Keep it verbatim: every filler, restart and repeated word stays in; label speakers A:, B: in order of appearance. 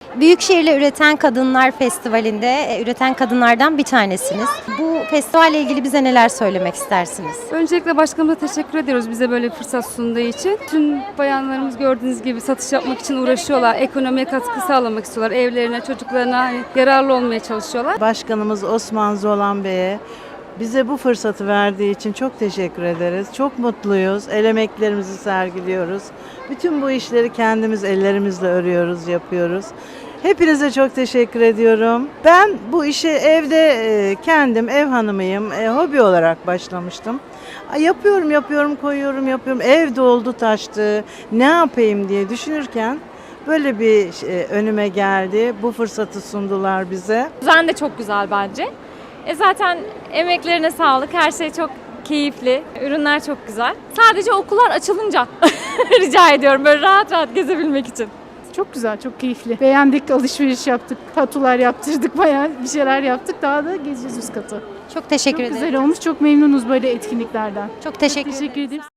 A: Büyükşehir'le Üreten Kadınlar Festivali'nde e, üreten kadınlardan bir tanesiniz. Bu festivalle ilgili bize neler söylemek istersiniz?
B: Öncelikle başkanımıza teşekkür ediyoruz bize böyle bir fırsat sunduğu için. Tüm bayanlarımız gördüğünüz gibi satış yapmak için uğraşıyorlar. Ekonomiye katkı sağlamak istiyorlar. Evlerine, çocuklarına hani yararlı olmaya çalışıyorlar.
C: Başkanımız Osman Zolan Bey'e bize bu fırsatı verdiği için çok teşekkür ederiz. Çok mutluyuz. El emeklerimizi sergiliyoruz. Bütün bu işleri kendimiz ellerimizle örüyoruz, yapıyoruz. Hepinize çok teşekkür ediyorum. Ben bu işe evde e, kendim ev hanımıyım. E, hobi olarak başlamıştım. Ay, Yapıyorum, yapıyorum, koyuyorum, yapıyorum. Ev doldu, taştı. Ne yapayım diye düşünürken böyle bir e, önüme geldi. Bu fırsatı sundular bize.
D: Düzen de çok güzel bence. E zaten emeklerine sağlık. Her şey çok keyifli. Ürünler çok güzel. Sadece okullar açılınca rica ediyorum böyle rahat rahat gezebilmek için.
E: Çok güzel, çok keyifli. Beğendik, alışveriş yaptık, tatular yaptırdık, bayağı bir şeyler yaptık. Daha da gezeceğiz üst katı.
A: Çok teşekkür
E: Çok
A: ederim.
E: güzel olmuş, çok memnunuz böyle etkinliklerden.
A: Çok teşekkür ederim.
E: Teşekkür ederim.